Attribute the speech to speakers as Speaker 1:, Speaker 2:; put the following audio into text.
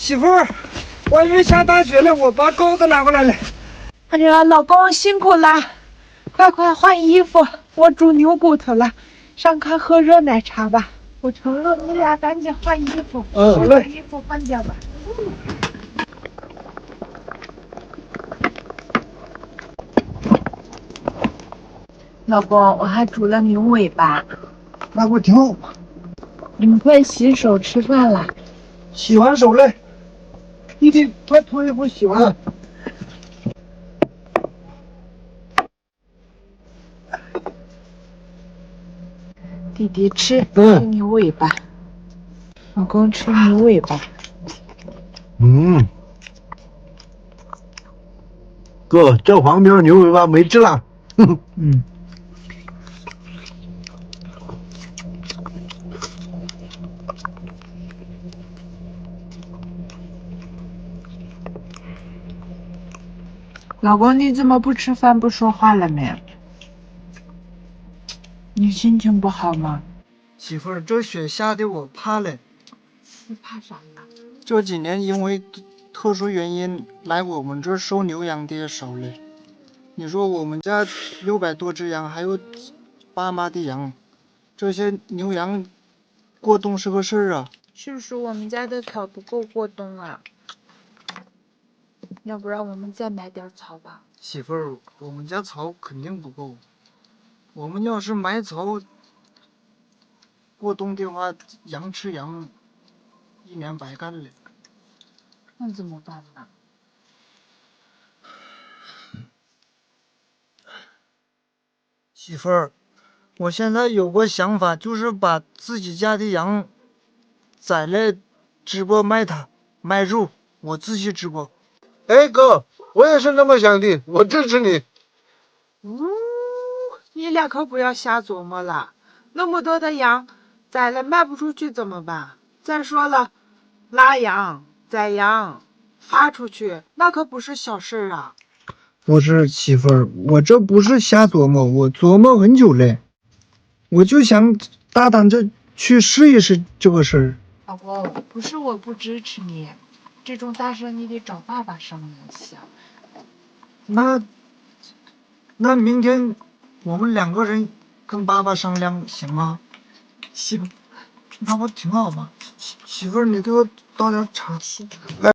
Speaker 1: 媳妇儿，外面下大雪了，我把钩子拿过来了。
Speaker 2: 哎呀，老公辛苦了，快换衣服，我煮牛骨头了，上炕喝热奶茶吧。我盛了，你俩赶紧换衣服。
Speaker 1: 好嘞。
Speaker 2: 把衣服换掉吧。老公，我还煮了牛尾巴，
Speaker 1: 那不挺好吗？
Speaker 2: 你们快洗手吃饭了。
Speaker 1: 洗完手嘞，弟弟，快脱衣服洗完。
Speaker 2: 弟弟吃牛尾巴，老公吃牛尾巴。
Speaker 3: 哥，这旁边牛尾巴没吃了。
Speaker 2: 老公，你怎么不吃饭不说话了没？你心情不好吗？
Speaker 1: 媳妇儿，这雪下的我怕了。
Speaker 2: 你怕啥呀？
Speaker 1: 这几年因为特殊原因来我们这儿收牛羊的也少了。你说我们家600多只羊，还有爸妈的羊，这些牛羊过冬是个事儿啊。
Speaker 2: 是不是我们家的草不够过冬啊？要不然我们再买点草吧。
Speaker 1: 媳妇儿，我们家草肯定不够。我们要是买草过冬的话，羊吃羊，一年白干了。
Speaker 2: 那怎么办呢？
Speaker 1: 媳妇儿，我现在有个想法，就是把自己家的羊宰了，直播卖它，卖肉，我自己直播。
Speaker 3: 哎，哥，我也是那么想的，我支持你。
Speaker 2: 你俩可不要瞎琢磨了，那么多的羊，宰了卖不出去怎么办？再说了，拉羊、宰羊、发出去，那可不是小事儿啊。
Speaker 1: 不是媳妇儿，我这不是瞎琢磨，我琢磨很久了，我就想大胆着去试一试这个事儿。
Speaker 2: 老公，不是我不支持你，这种大事你得找爸爸商量一下。
Speaker 1: 那明天我们2个人跟爸爸商量行吗？
Speaker 2: 行，
Speaker 1: 那不挺好吗？媳妇儿，你给我倒点茶。来。